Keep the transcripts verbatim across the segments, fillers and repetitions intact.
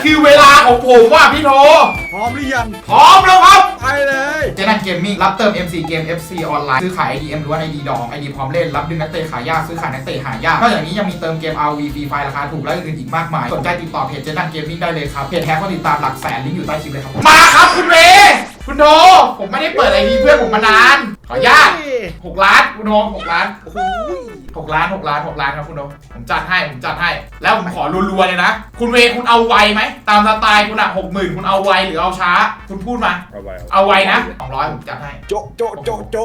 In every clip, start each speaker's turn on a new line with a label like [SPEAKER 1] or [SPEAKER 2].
[SPEAKER 1] คือเวลาของผมว่ะพี่โท
[SPEAKER 2] พร้อมหรือยัง
[SPEAKER 1] พร้อมแล้วครับ
[SPEAKER 2] ไปเลย
[SPEAKER 1] เจนันเกมมิ่งรับเติม เอ็ม ซี เกม เอฟ ซี ออนไลน์ซื้อขาย ไอ ดี เอ็ม ล้วน ไอ ดี ดอง ไอ ดี พร้อมเล่นรับดึงนักเตะขายยากซื้อขายนักเตะหายากนอกจากนี้ยังมีเติมเกม อาร์ วี ฟรีไฟราคาถูกและอื่นๆอีกมากมายสนใจติดต่อเพจเจนันเกมมิ่งได้เลยครับเพจแท้ก็ติดตามหลักแสนลิงก์อยู่ใต้คลิปเลยครับมาครับคุณเวคุณโทผมไม่ได้เปิด ไอ ดี เพื่อนผมมานานขออนุญาตหกล้านคุณโทหกล้าน
[SPEAKER 2] โอ้โห
[SPEAKER 1] หกล้านหกล้านหกล้านครับคุณโทผมจัดให้ผมจัดให้แล้วผมขอรัวๆเลยนะคุณเวคุณเอาไวไหมตามสไตล์คุณอะหกหมื่นคุณเอาไวหรือเอาช้าคุณพูดมา
[SPEAKER 2] เอาไว
[SPEAKER 1] เอาไวนะสองร้อยผมจัดให้
[SPEAKER 2] โจ๊ะโจ๊ะโจ๊ะโจ๊ะ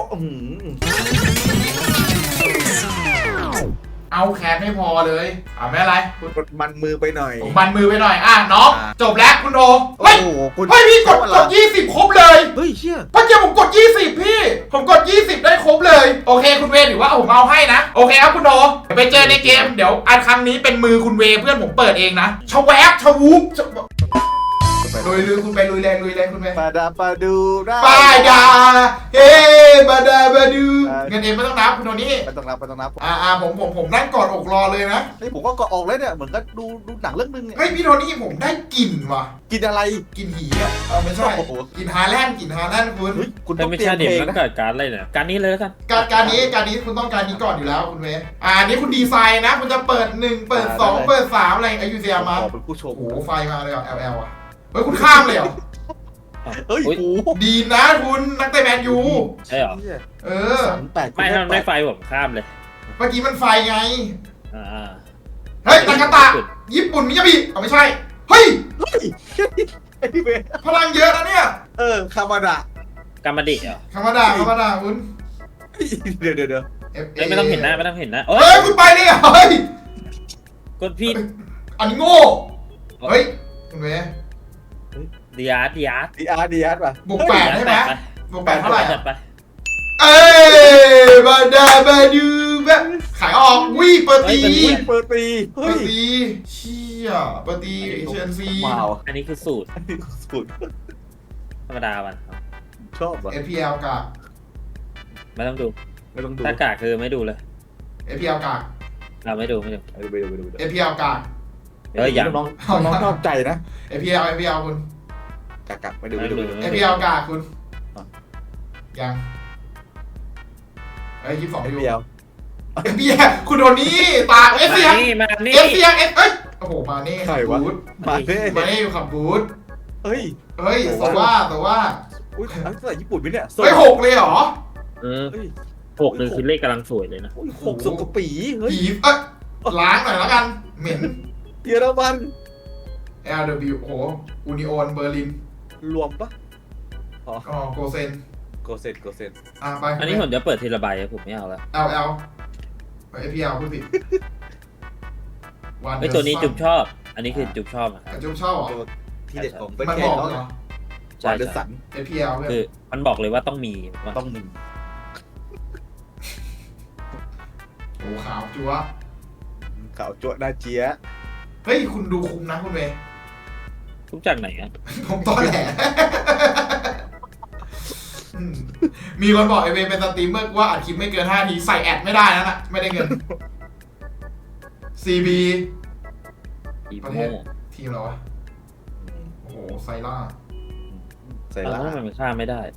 [SPEAKER 1] เอาแคสไม่พอเลยอ่าไม่อะไร
[SPEAKER 2] กดมันมือไปหน่อย
[SPEAKER 1] ผมมันมือไปหน่อยอ่ะน้องจบแล้วคุณโทเฮ้ย
[SPEAKER 2] เฮ้
[SPEAKER 1] ยพี่กดกดยี่สิบครบเลย
[SPEAKER 2] เฮ้ยเชี่ย
[SPEAKER 1] เมื่อกี้ผมกดยี่สิบพี่ผมกดยี่สิบได้ครบเลยโอเคคุณเวถือว่าผมเอาให้นะโอเคครับคุณโทไปเจอในเกมเดี๋ยวอันครั้งนี้เป็นมือคุณเวเพื่อนผมเปิดเองนะชแวบชวูบลุยลุยคุณไปลุยแรงลุยแรงคุณไป
[SPEAKER 2] ปาดาปาดูได้
[SPEAKER 1] ปาดาเฮ้ปาดาปาดูเงินเองไม่ต้องนับคุณโทนี่
[SPEAKER 2] ไม่ต้องนับไม่ต้องนับ
[SPEAKER 1] อ่าอ่าผมผมผมนั่งกอดอกรอเลยนะ
[SPEAKER 2] เฮ้ยผมก็กอดออกเลยเนี่ยเหมือนกับดูดูหนังเรื่องนึงเนี่ย
[SPEAKER 1] เฮ้ยพี่โทนี่ผมได้กลิ่นว่ะ
[SPEAKER 2] กินอะไร
[SPEAKER 1] กินหีอ่ะเออไม่ใช่กินฮาแลนด์กินฮาแลนด์คุณ
[SPEAKER 2] คุณ
[SPEAKER 3] ต้องไม่ใช่เด็กแล้วเกิดการอะไรเนี่ยการนี้เลยแล้วกัน
[SPEAKER 1] การการนี้การนี้คุณต้องการนี้ก่อนอยู่แล้วคุณเวอ่านี้คุณดีไซน์นะคุณจะเปิดหนึ่งเปิดสองเปิดสามอะไรอายุเซียมา
[SPEAKER 2] เป็นผู้ชม
[SPEAKER 1] โอ้โหไฟมาเลยอ่ะ แอล แอล อ่ะเฮ้ยคุณข้ามเลยเหรอ
[SPEAKER 2] เฮ้ย
[SPEAKER 1] ดีนะคุณนักเตะแมนยู
[SPEAKER 3] ใช่เหรอ
[SPEAKER 1] เออ
[SPEAKER 3] ไม่ทำได้ไฟผมข้ามเลย
[SPEAKER 1] เมื่อกี้มันไฟไง
[SPEAKER 3] อ่า
[SPEAKER 1] เฮ้ยตากาตะญี่ปุ่นมิยาบิอ๋อไม่ใช่เฮ้ยพลังเยอะนะเนี่ย
[SPEAKER 2] เออคามาดะ
[SPEAKER 3] กามาดิเหรอ
[SPEAKER 1] คามาดะคามาดะคุณ
[SPEAKER 2] เดี๋ยวเดี๋ยวเดี๋ยว
[SPEAKER 3] ไม่ต้องเห็นหน้าไม่ต้องเห็นหน้า
[SPEAKER 1] เฮ้ยคุณไปเลยเฮ้ย
[SPEAKER 3] กดผิด
[SPEAKER 1] อันนี้โง่เฮ้ยคุณเว
[SPEAKER 3] ดีอาร์ดีอาร์
[SPEAKER 2] ดีอาร์ดีอาร์ป่ะ
[SPEAKER 1] บวกแปดใช่ไหมบวกแปดเท่าไหร่
[SPEAKER 3] ไป
[SPEAKER 1] เอ้ยบาดาบาดูแบบขายออกวิเปิดตี
[SPEAKER 2] เปิดตี
[SPEAKER 1] เปิดตีเชี่ยเปิดตีเชนซี
[SPEAKER 3] อันนี้คือสูตร
[SPEAKER 2] อันนี้สูตร
[SPEAKER 3] ธรรมดาวัน
[SPEAKER 2] ชอบว่ะ
[SPEAKER 1] เอ พี แอล กาก
[SPEAKER 3] ไม่ต้องดู
[SPEAKER 2] ไม่ต้องดู
[SPEAKER 3] ถ้ากากคือไม่ดูเลย
[SPEAKER 1] เอ พี แอล กาก
[SPEAKER 3] เราไม่ดูไม่ดู
[SPEAKER 2] ไปดูไปดู
[SPEAKER 1] เอ พี แอล กาก
[SPEAKER 3] เฮ้ยอย่าง
[SPEAKER 2] น้องน้องชอบใจนะ
[SPEAKER 1] เอ พี แอล เอ พี แอล คุณ
[SPEAKER 2] กากไปดูไปดู
[SPEAKER 1] เอ พี แอล กากคุณยังเอ้ยยี่สิบสอง
[SPEAKER 2] เอ
[SPEAKER 1] อยู่
[SPEAKER 2] พี แอล
[SPEAKER 1] เอ พี แอล คุณโดนี่ตาเอฟเซียเอฟเซียเอฟเอ้ยโอ้โหมาเน่ขับบูธ
[SPEAKER 2] มาเน่
[SPEAKER 1] มาเน่อยู่ขับบูธ
[SPEAKER 2] เฮ้ย
[SPEAKER 1] เฮ้ยแต่ว่าแต่ว่า
[SPEAKER 2] อุ้ยภาษาญี่ปุ่นไหมเนี่ย
[SPEAKER 1] เฮ้ยหกเลยเหรอ
[SPEAKER 3] เออหกหนึ่งคือเลขกำลังสวยเลยนะ
[SPEAKER 2] หกสุกปีเฮ้ย
[SPEAKER 1] เอ้ยล้างหน่อยแล้วกันเหม็น
[SPEAKER 2] เยอรมัน
[SPEAKER 1] แอล ดับเบิลยู โอ้โหอูนิโอนเบอร์ลิน
[SPEAKER 2] รวมปะ
[SPEAKER 1] อ๋อโกเซน
[SPEAKER 2] โกเซนโกเซน
[SPEAKER 1] อ่ะไป
[SPEAKER 3] อันนี้ผมจะเปิดทีละใบผมไม่เอาแล้ว
[SPEAKER 1] แอล แอล ไป เอ พี แอล พูดผิด
[SPEAKER 3] ไอตัวนี้จุ๊บชอบอันนี้คือจุ๊บชอบอ่ะ
[SPEAKER 1] จุ๊บชอบเหรอ
[SPEAKER 2] ที่เด็ดของ
[SPEAKER 1] มันบอกเหรอ
[SPEAKER 2] ใช่เดอะสัน
[SPEAKER 1] เอ พี แอล
[SPEAKER 3] คือมันบอกเลยว่าต้องมี
[SPEAKER 2] ต้องมี
[SPEAKER 1] โอ้ขาวจั๊ว
[SPEAKER 2] ขาวจั๊วน่าเจี๊ย
[SPEAKER 1] เฮ้ยคุณดูคุ้มนะคุณเว
[SPEAKER 3] ทุกจากไหนอ่ะ
[SPEAKER 1] ผมตอนแหลมีคนบอกไอเวเป็นสตรีมเมอร์ว่าอัดคลิปไม่เกินห้าทีใส่แอดไม่ได้นะน่ะไม่ได้เงิน ซี บี ประเทศทีมเราวะโอ้โหไซล่า
[SPEAKER 2] ไซล่า
[SPEAKER 3] มันฆ่าไม่ได้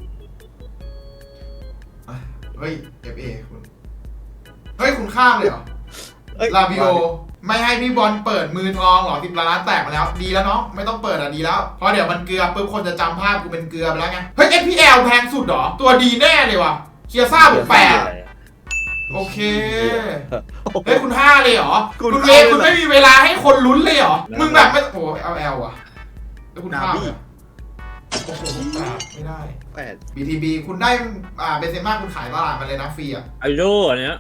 [SPEAKER 1] เฮ้ย เอฟ เอ คุณเฮ้ยคุณข้ามเลยเหรอลาบิโอไม่ให้พี่บอลเปิดมือทองหรอสิบล้านแตกมาแล้วดีแล้วเนาะไม่ต้องเปิดอ่ะดีแล้วเพราะเดี๋ยวมันเกลือปุ๊บคนจะจำภาพกูเป็นเกลือไปแล้วไงเฮ้ย เอฟ พี แอล แพงสุดหรอตัวดีแน่เลยว่ะเคียซ่าบวกแปดโอเคเฮ้ยคุณห้าเลยเหรอคุณเอคุณไม่มีเวลาให้คนลุ้นเลยเหรอมึงแบบไม่โอ้เอล แอล อ่ะแล้วคุณห้าโอ้โหไม่ได้
[SPEAKER 2] แปด
[SPEAKER 1] บี ที บี คุณได้อ่าเบเซม่าคุณขายตลาดมาเลยนะฟรีอ่ะ
[SPEAKER 3] ไอโดอันเนี้ย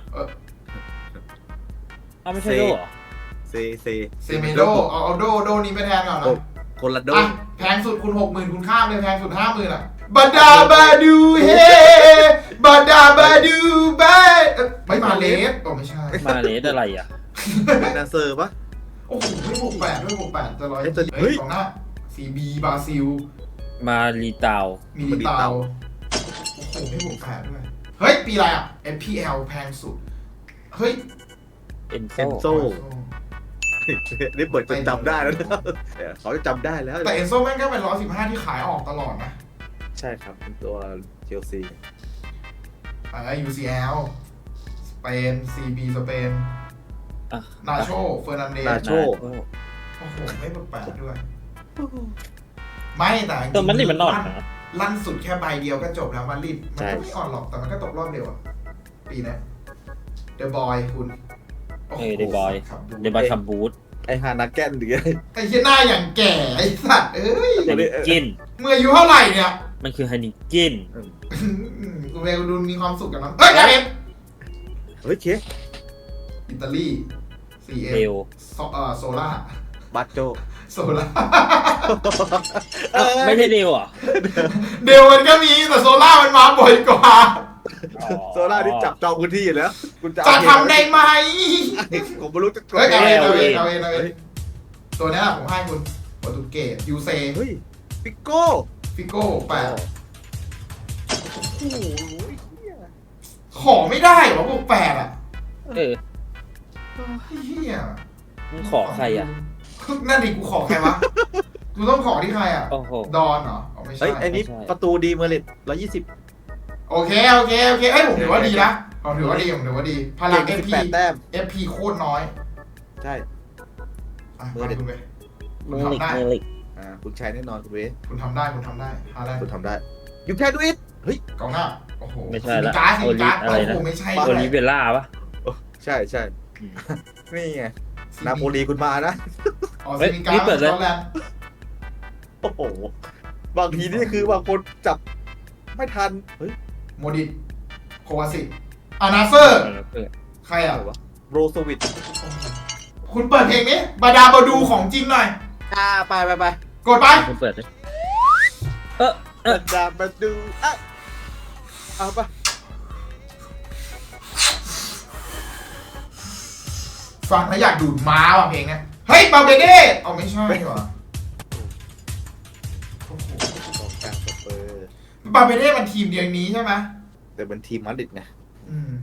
[SPEAKER 3] เอาไม่ใช่โดเหรอ
[SPEAKER 2] เซเซ
[SPEAKER 1] เซเมโดเอาเอาโดโดนี้ไปแทนก่อนนะ
[SPEAKER 2] คนละโด
[SPEAKER 1] แพงสุดคุณหกหมื่นคุณข้ามเลยแพงสุดห้าหมื่นอ่ะบาดาบาดูเฮบาดาบาดูบาไม่มาเลสโอ้ไม่ใช่
[SPEAKER 3] มาเลสอะไรอ่ะ
[SPEAKER 2] เป็นนาเซอร์ปะ
[SPEAKER 1] โอ้โหไม่หกแปดด้วยหกแปดจะร้อยเฮ้ยของหน้าซีบีบราซิล
[SPEAKER 3] มาลีตาว
[SPEAKER 1] มีลีตาวโอ้โหไม่หกแปดด้วยเฮ้ยปีอะไรอ่ะ เอฟ พี แอล แพงสุดเฮ้ย
[SPEAKER 3] เอ็นโซ
[SPEAKER 2] นี่เปิดจนจำได้แล้วนะเขาจะจำได้แล้ว
[SPEAKER 1] แต่เอนโซแม่งก็เป็นร้อยสิบห้าที่ขายออกตลอดนะ
[SPEAKER 2] ใช่ครับเป็นตัวเชลซี
[SPEAKER 1] อ่า ยู ซี แอล สเปน ซี บี สเปน
[SPEAKER 3] อ่ะ
[SPEAKER 1] นาโชเฟอร์นันเดส
[SPEAKER 2] นาโช
[SPEAKER 1] โอ้โห ไม่แปลกๆด้วย ไม่แต่จริงๆ
[SPEAKER 3] ตัวมันนี่มันนอนนะ
[SPEAKER 1] ลั่นสุดแค่ใบเดียวก็จบแล้วมันรีบมันก็ไม่อ่อนหรอกแต่มันก็ตกรอบเดียวอะปีนี้เดอะบอยคุณโโห
[SPEAKER 3] เออ The Boy
[SPEAKER 1] ขับดู
[SPEAKER 3] เดบายคัมบูธ
[SPEAKER 2] ไอฮานาแกนหรือไง
[SPEAKER 1] ไอ้เหี้ยหน้าอย่างแก่ไอ้สัตว์เอ้ย
[SPEAKER 3] ไฮนิกิน
[SPEAKER 1] เมื่ออายุเท่าไหร่เนี่ย
[SPEAKER 3] มันคือไฮนิกิน
[SPEAKER 1] กูเวกูดูมีความสุขกับมันเฮ้ยอะไร
[SPEAKER 2] เฮ้ยเค
[SPEAKER 1] อิตาลี ซี เอ็ม
[SPEAKER 3] เร็ว
[SPEAKER 1] โซเอ่อโซล่า
[SPEAKER 2] บัตโจ
[SPEAKER 1] โซล่า
[SPEAKER 3] อ้าวไม่ใช่เร็วเหรอ่ะ
[SPEAKER 1] เดลมันก็มีแต่โซล่ามันมาบ่อยกว่า
[SPEAKER 2] โซล่าที่จับจองพื้นที่อยู่แล้วคุณจะ
[SPEAKER 1] จะทำได้ไหม
[SPEAKER 2] ผมไม่รู้จะ
[SPEAKER 1] เฮ้ยเอาเองเอาเอง
[SPEAKER 3] เอา
[SPEAKER 1] เอา
[SPEAKER 3] เอ
[SPEAKER 1] เอง งเอาเองตัวเนี้ยผมให้คุณโปรตุเกสยูเซ
[SPEAKER 2] เฮ้ยปิโก้
[SPEAKER 1] ฟิโก้แปด
[SPEAKER 2] โอ้โห
[SPEAKER 1] ขอไม่ได้เหรอพวกแปดอ่ะ
[SPEAKER 3] เออ
[SPEAKER 1] เฮีย
[SPEAKER 3] มึงขอใครอ่ะ
[SPEAKER 1] นั่นดิกูขอใครวะกูต้องขอที่ใครอ่ะ
[SPEAKER 3] โอ้โห
[SPEAKER 1] ดอนเหรออ๋อไม่ใช่
[SPEAKER 2] เฮ้ยไอ้นี่
[SPEAKER 3] ไม่ใช่
[SPEAKER 2] ประตูดีเมอร์เลตร้อยยี่สิบ
[SPEAKER 1] โอเคโอเคโอเคเอ้ยผมถือว่าดีนะผมถือว่าดีผมถือว่าดีพลัง
[SPEAKER 2] เก่
[SPEAKER 1] เอง ฟ
[SPEAKER 2] สิบ
[SPEAKER 1] พี
[SPEAKER 2] แปดแต้ม
[SPEAKER 1] เอฟพีโคตรน้อย
[SPEAKER 2] ใช่
[SPEAKER 1] อ่ะ
[SPEAKER 2] เบอร์เด็ด
[SPEAKER 1] คุณไป
[SPEAKER 3] เมอร์ลิกเมอร์ลิก
[SPEAKER 2] อ่าคุณชัยแน่นอนคุณเวส
[SPEAKER 1] คุณทำได้คุณทำได้ฮาแลนด์
[SPEAKER 2] คุณทำได้ยูแค่ดูอิทเฮ้ย
[SPEAKER 1] กองหน้าโอ้โห
[SPEAKER 3] ไม่ใช่ละ
[SPEAKER 1] ซิมิการ์ดซิมิการ์ด
[SPEAKER 3] โอลิอะไร
[SPEAKER 1] โอ้
[SPEAKER 3] นะ
[SPEAKER 1] โหไม่ใช่
[SPEAKER 3] โอ
[SPEAKER 1] ด้วย
[SPEAKER 3] ลิเวล่าปะ
[SPEAKER 2] ใช่ใช่นี่ไงนาโปลีคุณมานะ
[SPEAKER 1] อ๋อ
[SPEAKER 3] เฮ้
[SPEAKER 1] ซิ
[SPEAKER 3] ย
[SPEAKER 1] มิการ์
[SPEAKER 3] นี่
[SPEAKER 1] ด
[SPEAKER 3] เปิดเลย
[SPEAKER 1] สกอตแลนด์
[SPEAKER 2] โอ้โหบางทีนี่คือบางคนจับไม่ทันเฮ้ย
[SPEAKER 1] โมดิตโควาซิตอานาเซอร์
[SPEAKER 3] เออ
[SPEAKER 1] ใครอ่ะ
[SPEAKER 2] อะไรวะโรโซวิต
[SPEAKER 1] คุณเปิดเพลงนี้บาดาบาดูของจริงหน่อย
[SPEAKER 2] อ่าไปไปไป
[SPEAKER 1] กดไป
[SPEAKER 3] คุณเปิดเลยเออเออ
[SPEAKER 2] ดามาดูอ่ะเอาไป
[SPEAKER 1] ฟังแล้วอยากดูดม้าว่ะเพลงเนี้ยเฮ้ยบาเบเด้เอาไม่ใช่ว่ะโอ้โห
[SPEAKER 2] กองกลางสเปอร์
[SPEAKER 1] บาเบเด้มันทีมเดียวนี้ใช่ไหม
[SPEAKER 2] แต่เป็นทีมมาดริดไง
[SPEAKER 1] อืม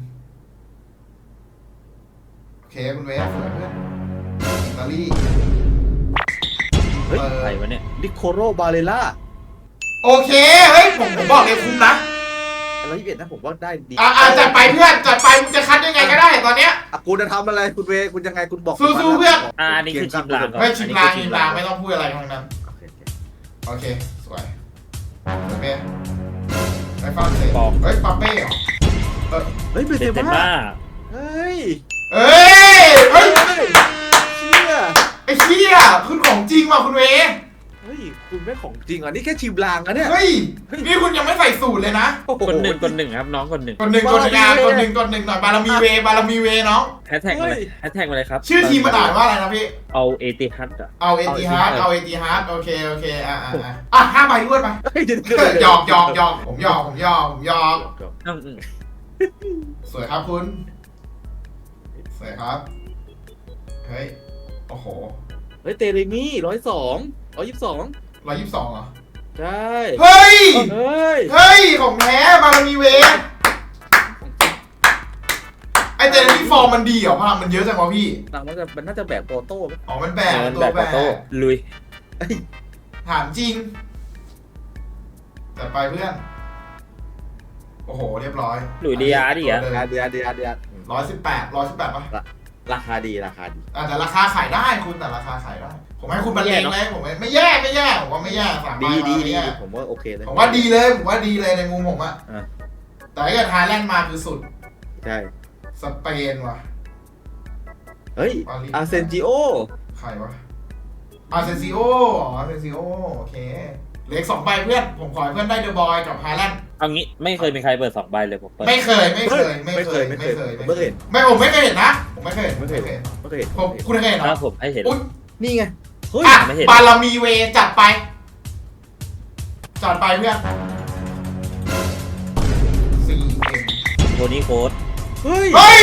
[SPEAKER 1] โอเคคุณเวฟสวยเพื่อนอิตาลี
[SPEAKER 2] เฮ้ย
[SPEAKER 1] เออ
[SPEAKER 3] ใครวะเนี่ย
[SPEAKER 2] ดิโคโรบาเลล่า
[SPEAKER 1] โอเคเฮ้ยผมผมบอกเลยคุ้มนะ
[SPEAKER 2] ร้อยยี่สิบเอ็ดนะผมว่าได้ดี
[SPEAKER 1] อ่ะอ่ะจัดไปเพื่อนจัดไปมึงจะคัดยังไงก็ได้ตอนเนี้ย
[SPEAKER 2] อ่ะคุณจะทำอะไรคุณเวคุณยังไงคุณบอก
[SPEAKER 1] สู้ๆเพื่อน
[SPEAKER 3] อ่าอันนี้คือชิมลางก่อน
[SPEAKER 1] ไม่ชิมลางชิมลางไม่ต้องพูดอะไรทั้งนั้น
[SPEAKER 2] โอเคโอเค
[SPEAKER 1] โอเค สวยปาเป้ไปฟังเสียง
[SPEAKER 3] ปอก
[SPEAKER 1] เฮ้ยปาเป้เหรอเออ
[SPEAKER 2] เฮ้ยเบ
[SPEAKER 3] เซ
[SPEAKER 2] นเซ
[SPEAKER 3] นเต็ม
[SPEAKER 2] ม่า
[SPEAKER 3] มา
[SPEAKER 2] เฮ้ย
[SPEAKER 1] เอ้ยเฮ้ย
[SPEAKER 2] เชี่ย
[SPEAKER 1] ไอ้เชี่ยคุณของจริงว่ะคุณเว
[SPEAKER 2] เฮ้ยคุณไม่ของจริงอ่ะนี่แค่ชิมลางอะเนี่ย
[SPEAKER 1] เฮ้ยนี่คุณยังไม่ใส่สูตรเลยนะ
[SPEAKER 2] โอ้โ
[SPEAKER 3] คนหนึ่งคนหนึ่งครับน้องคนหนึ่ง
[SPEAKER 1] คนหนึ่งคนหนึ่งงานคนหนึ่งคนหนึ่งหน่อยบารมีเวบารมีเวน้อง
[SPEAKER 3] แฮชแท็กมาเลยแฮชแท็กมาเลยครับ
[SPEAKER 1] ชื่อทีมมันอ่านว่าอะไรนะพี่
[SPEAKER 3] เอาเอติฮัดอ่ะ
[SPEAKER 1] เอาเอติฮาร์ดเอาเอติฮาร์ดโอเคโอเคอ่ะอ่ะอ่ะอ่ะห้าใบด้วยไป
[SPEAKER 2] เฮ้ยเดี๋ยวเดี๋ยวเดี๋ยว
[SPEAKER 1] หยอกหยอกหยอกผมหยอกผมหยอกผมหยอก
[SPEAKER 3] อืมอืม
[SPEAKER 1] สวยครับคุณสวยครับเฮ้ยโอ้โห
[SPEAKER 2] เฮ้ยเตเรมี่ร้อยสองร้อยยี่สิบสอง
[SPEAKER 1] ร้อยยี่สิบสองเหรอ
[SPEAKER 2] ใช่
[SPEAKER 1] เฮ้ย
[SPEAKER 2] เฮ้ย
[SPEAKER 1] เฮ้ย ของแท้บารมีเวไอเจนนี่ฟอร์มมันดีเหรอพลังมันเยอะจังวะพี่
[SPEAKER 2] หลังมันจะมันน่าจะแบกโปโต้ไหม
[SPEAKER 1] อ๋อ มันแบ
[SPEAKER 3] เอก อ
[SPEAKER 1] ตัว
[SPEAKER 3] แบบ
[SPEAKER 1] แบ
[SPEAKER 3] ปาก โต้ลุย
[SPEAKER 2] เฮ้ย
[SPEAKER 1] ถามจริง แต่ไปเพื่อน โอ้โห เรียบร้อย
[SPEAKER 3] หลุยดีอาร์ดิอ่ะ
[SPEAKER 2] อาเดียเดียเดีย
[SPEAKER 1] ร้อยสิบแปดร้อยสิบแปดป่ะ
[SPEAKER 2] ราคาดีราคาดี
[SPEAKER 1] อ่ะแต่ราคาขายได้คุณแต่ราคาขายได้ ผมให้คุณบรรเลงเลยผมไม่ไม่แย่ไม่แย่ผมว่าไม่แย่สามใบ
[SPEAKER 2] ดี
[SPEAKER 1] มา
[SPEAKER 2] ดี
[SPEAKER 1] ไม่
[SPEAKER 2] ดี
[SPEAKER 1] แย่
[SPEAKER 2] ผมว่าโอเคเลย
[SPEAKER 1] ผมว่าดีเลยผมว่าดีเลยในมุมผมอะ
[SPEAKER 2] อ่ะ
[SPEAKER 1] แต่ถ้าเกิดไทยแลนด์มาคือสุด
[SPEAKER 2] ใช่
[SPEAKER 1] สเปนว่ะ
[SPEAKER 2] เฮ้ย
[SPEAKER 1] ปารีส
[SPEAKER 2] อาร์เซนจิโอ
[SPEAKER 1] ใครวะอาร์เซนซิโออาร์เซนซิโอโอเคเหลืออกสองใบเพื่อน ผมขอให้เพื่อนได้เดอะบอยกับไฮแลนด์
[SPEAKER 3] เอางี้ไม่เคยมีใครเปิดสองใบเลยผมเปิด
[SPEAKER 1] ไม่เคยไม่เคยไม่เคย
[SPEAKER 2] ไม่
[SPEAKER 1] ไม่
[SPEAKER 2] เค
[SPEAKER 1] เค
[SPEAKER 2] ย
[SPEAKER 1] ย
[SPEAKER 2] ไม่เคย
[SPEAKER 1] ไม่ผมไม่เคยเห็นนะ ผมไม่เคย
[SPEAKER 2] ไม่เคย ไม่เคย
[SPEAKER 1] ผมคุณเคยเห็นเหร
[SPEAKER 3] ถ้า
[SPEAKER 1] อ
[SPEAKER 3] ผมให้เห็น
[SPEAKER 1] อุ๊ย
[SPEAKER 2] นี่ไงเฮ้ย
[SPEAKER 1] อ่ะ
[SPEAKER 3] ไม่เห็น
[SPEAKER 1] บารมีเวจัดไป จัดไปเพื่อนซีเอ็ม
[SPEAKER 3] โทนี่โค้ด
[SPEAKER 2] เฮ้ย
[SPEAKER 1] เฮ้ย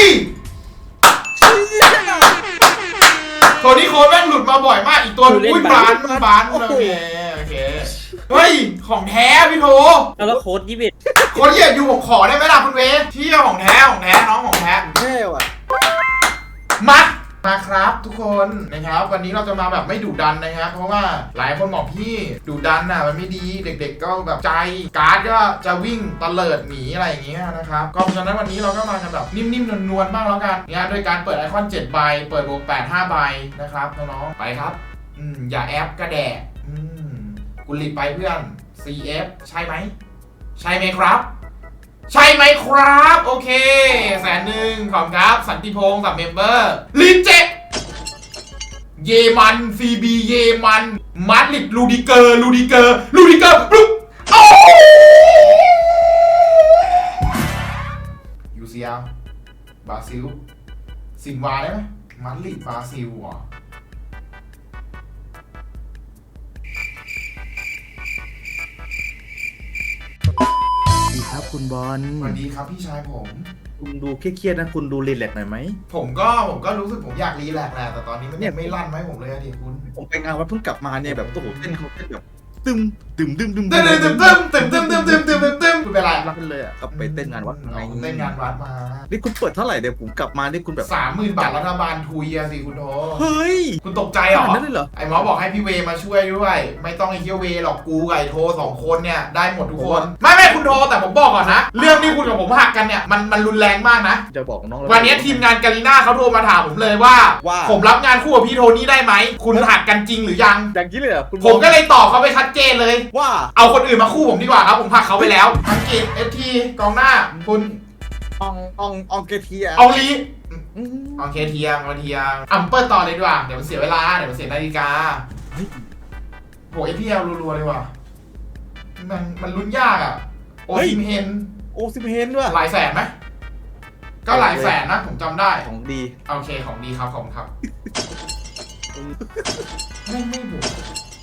[SPEAKER 1] โทนี่โค้ดแม่งหลุดมาบ่อยมากอีกตัวหนึงอุ้ยบานบานโอเคโอเคเฮ้ยของแท้พี่โท
[SPEAKER 3] แล้วโค้ดยี่สิบ
[SPEAKER 1] คนเหยียดอยู่ผมขอได้ไหมล่ะคุณเวเที่ยวของแท้ของแท้น้องของแท้
[SPEAKER 2] แท้ว่ะ
[SPEAKER 1] มัดไปมาครับทุกคนนะครับวันนี้เราจะมาแบบไม่ดุดันนะครับเพราะว่าหลายคนบอกพี่ดุดันน่ะมันไม่ดีเด็กๆก็แบบใจการ์ดก็จะวิ่งตะเลิดหนีอะไรอย่างเงี้ยนะครับก็เพราะฉะนั้นวันนี้เราก็มากันแบบนิ่มๆนวลๆบ้างแล้วกันเนี่ยโดยการเปิดไอคอนเจ็ดใบเปิดโลแปด ห้าใบนะครับน้องๆไปครับอืมอย่าแอปกระแดะอืมกุลิตไปเพื่อน ซี เอฟ ใช่ไหมใช่ไหมครับใช่ไหมครับโอเคแสนหนึ่งขอบคุณครับสันติพงศ์กับเมมเบอร์ลินเจเยมัน ซี บี เยมันมาดริดลูดิเกอร์ลูดิเกอร์ลูดิเกอร์ปุ๊บโอ้ยูซีเอลบราซิลซินวาได้ไหมมาดริดบราซิลเหรอ
[SPEAKER 2] ดีครับคุณบอล
[SPEAKER 1] สวัสดีครับพี่ชายผม
[SPEAKER 2] คุณดูเครียดๆนะคุณดูรีแลกซ์หน่อยไหม
[SPEAKER 1] ผมก็ผมก็รู้สึกผมอยากรีแลกซ์แหละแต่ตอนนี้มันยังไม่ลั่นไหมผมเลยอะดิคุณ
[SPEAKER 2] ผมไปงานวัดเพิ่งกลับมาเนี่ยแบบโอ้โหเต้นเขาเต้นแบบตึมตึมตึมตึม
[SPEAKER 1] ตึ้มตึ้มตึ้มตึ้มตึ้มตึ้มตึ้มตึ้มตึ้มตึ้มคุณเป็นไร
[SPEAKER 2] รักกันเลยอ่ะก็ไปเต้นงานวัดไง
[SPEAKER 1] เต้นงานวัดมา
[SPEAKER 2] นี่คุณเปิดเท่าไหร่เดี๋ยวผมกลับมานี่คุณแบบ
[SPEAKER 1] สามหมื่นบาทรัฐบาลทุยอะสิคุณโท
[SPEAKER 2] เฮ้ย
[SPEAKER 1] คุณตกใจเหรอ
[SPEAKER 2] ขนาดนั้นเลยเหรอ
[SPEAKER 1] ไอ้หมอบอกให้พี่เวมาช่วยด้วย ไม่ต้องไอ้เฮียเวหรอกกูกับไอ้โทสองคนเนี่ยได้หมดทุกคน ไม่ไม่คุณโทแต่ผมบอกก่อนนะ เรื่องที่คุณกับผมหักกันเนี่ยมันมันรุนแรงมากนะ
[SPEAKER 2] จะบอกน้อง
[SPEAKER 1] วันนี้ทีมงานกาลิน่าเขาโทรมาถามผมเลยว่า
[SPEAKER 2] ว่า
[SPEAKER 1] ผมรับงานคู่กับพี่โทนี่ได้ไหมคุณหักกันจริงหรือยัง
[SPEAKER 2] อย่างนี้เลยเหรอคุณบ
[SPEAKER 1] ผมก็เลยตอบเขาไปชัดเจนเลย
[SPEAKER 2] ว่า
[SPEAKER 1] เอาคนอื่นมาคู่ผมดีกว่าครับ ผมผลักเขาไปแล้วอังกฤษเอฟทีกองหน้า คุณ
[SPEAKER 2] อองอองอองเกเทีย
[SPEAKER 1] เอาลี
[SPEAKER 2] อืม
[SPEAKER 1] โอเคเทียงมาเทียงอัมเปิลต่อเลยดีกว่าเดี๋ยวมันเสียเวลาเดี๋ยวมันเสียนาฬิกา
[SPEAKER 2] เฮ้ย
[SPEAKER 1] โหเอฟพีเอลรัวๆเลยว่ะมันมันลุ้นยากอ่ะโอซิมเฮน
[SPEAKER 2] โอซิมเฮนด้วย
[SPEAKER 1] หลายแสนไหมก็หลายแสนนะผมจำได้
[SPEAKER 2] ของดี
[SPEAKER 1] โอเคของดีครับขอบคุณครับไม่ไม่บวก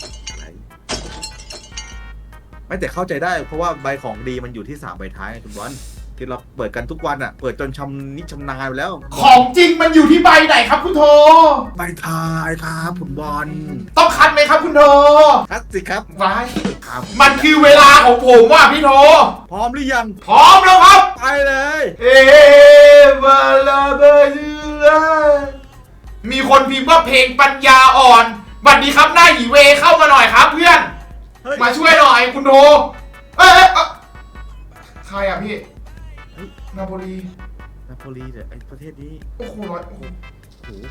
[SPEAKER 2] ไม่แต่เข้าใจได้เพราะว่าใบของดีมันอยู่ที่สามใบท้ายไงคุณบอลที่เราเปิดกันทุกวันอ่ะเปิดจนชำนิชำนาญไปแล้ว
[SPEAKER 1] ของจริงมันอยู่ที่ใบไหนครับคุณโท
[SPEAKER 2] ใบท้ายครับคุณบอล
[SPEAKER 1] ต้องคัดไหมครับคุณโท
[SPEAKER 2] คัดสิครับ
[SPEAKER 1] ไว้
[SPEAKER 2] ครับ
[SPEAKER 1] มันคือเวลาของผมว่าพี่โท
[SPEAKER 2] พร้อมหรือยัง
[SPEAKER 1] พร้อมแล้วครับ
[SPEAKER 2] ไปเลย
[SPEAKER 1] เอวาลาเบลามีคนพิมพ์ว่าเพลงปัญญาอ่อนบัดดีครับหน้าหยีเวเข้ามาหน่อยครับเพื่อน
[SPEAKER 2] เฮ้ย
[SPEAKER 1] มาช่วยหน่อยคุณโทเอ้ยเอ้ยเอ้ยใครอ่ะพี่นาโปลี
[SPEAKER 2] นาโปลีเนี่ยไอประเทศนี้
[SPEAKER 1] โอ้โหร้อยโอ้โห
[SPEAKER 2] โอ้โห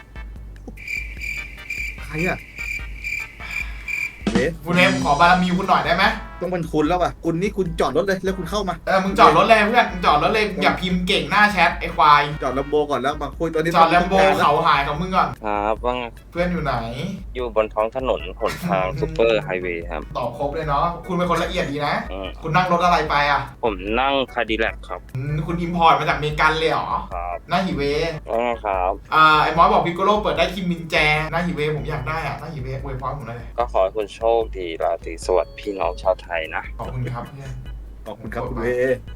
[SPEAKER 2] ใครอ่ะเวส
[SPEAKER 1] คุณเอมขอบารมีคุณหน่อยได้ไหม
[SPEAKER 2] ต้องเป็นคุณแล้วป่ะคุณนี่คุณจอดรถเลยแล้วคุณเข้ามา
[SPEAKER 1] เออมึงจอดรถเลยเพื่อนมึงจอดรถเลยอย่าพิมพ์เก่งหน้าแชทไอ้ควาย
[SPEAKER 2] จอดลมโบก่อนแล้วมาคุยตอนนี้
[SPEAKER 1] จอดแลมโบเขาหายของมึงก่อน
[SPEAKER 4] ครับว่าไง
[SPEAKER 1] เพื่อนอยู่ไหน
[SPEAKER 4] อยู่บนท้องถนนหนทางซูเปอร์ไฮเวย์ครับ
[SPEAKER 1] ตอบครบเลยเนาะคุณเป็นคนละเอียดดีนะ
[SPEAKER 4] อืม
[SPEAKER 1] คุณนั่งรถอะไรไปอ่ะ
[SPEAKER 4] ผมนั่งคาดิแลกครับ
[SPEAKER 1] อืมคุณอิมพอร์ตมาจากอเมริกันเลยเหรอ
[SPEAKER 4] ครับ
[SPEAKER 1] หน้าหิเว
[SPEAKER 4] ว่าไงครับ
[SPEAKER 1] อ่าไอ้มอสบอกพิกโกโลเปิดได้คิมมินแจหน้าหิเวผมอยากได้อ่ะหน้าหิเวอวยพรผมหน่อยเลย
[SPEAKER 4] ก็ขอให้คุณโชคดีราตรีสวัสดิ์พี่น้องชาวไทยนะ
[SPEAKER 1] ขอบคุณครับเพื่อน
[SPEAKER 2] ขอบคุณครับคุณเว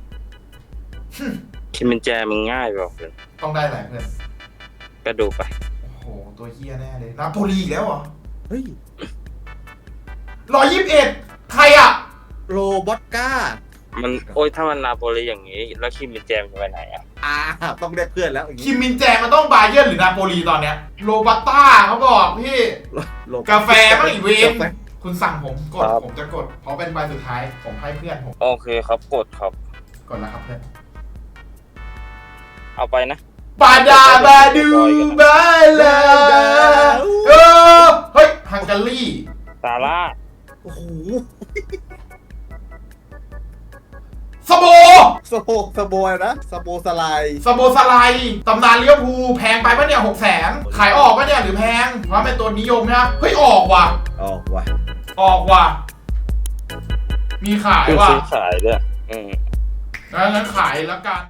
[SPEAKER 4] คิมมินแจมันง่ายเปล่าเพื่อน
[SPEAKER 1] ต้องได้แหละเพื่อน
[SPEAKER 4] ก็ดูไป
[SPEAKER 1] โอ้โหตัวเฮียแน่เลยนาโปลีอีกแล้วเหรอ
[SPEAKER 2] เฮ้ย
[SPEAKER 1] ร้อยยี่สิบเอ็ดใครอ่ะ
[SPEAKER 2] โรบอตก้า
[SPEAKER 4] มันโอ้ยถ้ามันนาโปลีอย่างนี้ แล้วคิมมินแจมันจะไปไหนอ่ะ
[SPEAKER 2] อ่าต้องได้เพื่อนแล้วอย่าง
[SPEAKER 1] คิ
[SPEAKER 2] นี้
[SPEAKER 1] มมินแจมันต้องบาเยิร์นหรือนาโปลีตอนเนี้ยโรบัตต้าเขาบอกพี่
[SPEAKER 2] โร
[SPEAKER 1] กาแฟมั้งอีเวน
[SPEAKER 2] กาแฟ
[SPEAKER 1] คุณสั่งผมกดผมจะกดเพราะเป็นใบสุดท้ายผมให้เพื่อนผม
[SPEAKER 4] โอเคครับกดครับ
[SPEAKER 1] กดแล้วครับเพื่อน
[SPEAKER 4] เอาไปนะ
[SPEAKER 1] บาดาบาดูบาลาเออเฮ้ยฮังการี
[SPEAKER 4] ซาร่า
[SPEAKER 2] โอ้โห
[SPEAKER 1] สโบ
[SPEAKER 2] สโบสโบอะไรนะสโบสไลด์
[SPEAKER 1] สโบสไลด์ตำนานเลี้ยวภูลแพงไปปะเนี่ยหกแสนขายออกปะเนี่ยหรือแพงเพราะเป็นตัวนิยมนะเฮ้ยออกว่ะ
[SPEAKER 2] ออกว่ะ
[SPEAKER 1] ออกว่ะมีขาย
[SPEAKER 4] คือ
[SPEAKER 1] ว่ะ
[SPEAKER 4] ซื้อขายด้วยอืม
[SPEAKER 1] งั้นขายแล้วกัน